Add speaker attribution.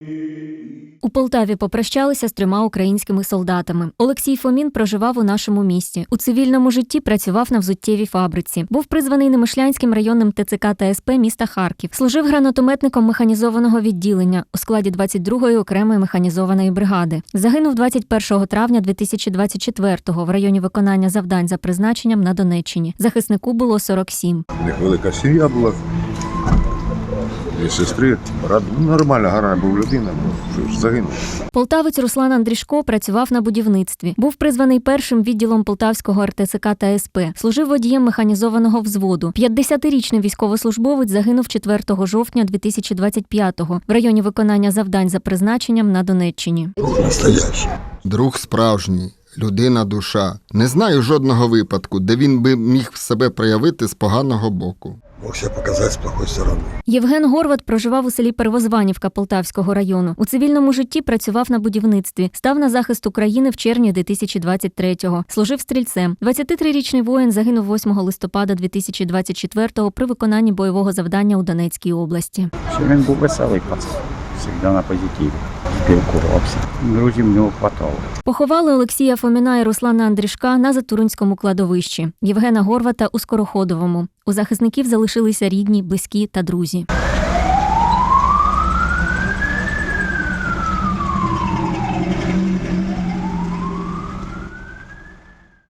Speaker 1: У Полтаві попрощалися з 3 українськими солдатами. Олексій Фомін проживав у нашому місті. У цивільному житті працював на взуттєвій фабриці. Був призваний Немишлянським районним ТЦК та СП міста Харків. Служив гранатометником механізованого відділення у складі 22-ї окремої механізованої бригади. Загинув 21 травня 2024-го в районі виконання завдань за призначенням на Донеччині. Захиснику було 47.
Speaker 2: У них велика сім'я була. 2 сестри. Нормальна, гарна був людина, загинув.
Speaker 1: Полтавець Руслан Андрішко працював на будівництві. Був призваний першим відділом Полтавського РТЦК та СП. Служив водієм механізованого взводу. 50-річний військовослужбовець загинув 4 жовтня 2025-го в районі виконання завдань за призначенням на Донеччині.
Speaker 3: Друг справжній. Людина душа. Не знаю жодного випадку, де він би міг себе проявити з поганого боку.
Speaker 4: Мог себя показать с плохой стороны.
Speaker 1: Євген Горват проживав у селі Первозванівка Полтавського району. У цивільному житті працював на будівництві. Став на захист України в червні 2023-го. Служив стрільцем. 23-річний воїн загинув 8 листопада 2024-го при виконанні бойового завдання у Донецькій області.
Speaker 5: Він був веселий пацан, завжди на позитиві. Спілкувався. Друзів в нього хватало.
Speaker 1: Поховали Олексія Фоміна і Руслана Андрішка на Затуринському кладовищі. Євгена Горвата у Скороходовому. У захисників залишилися рідні, близькі та друзі.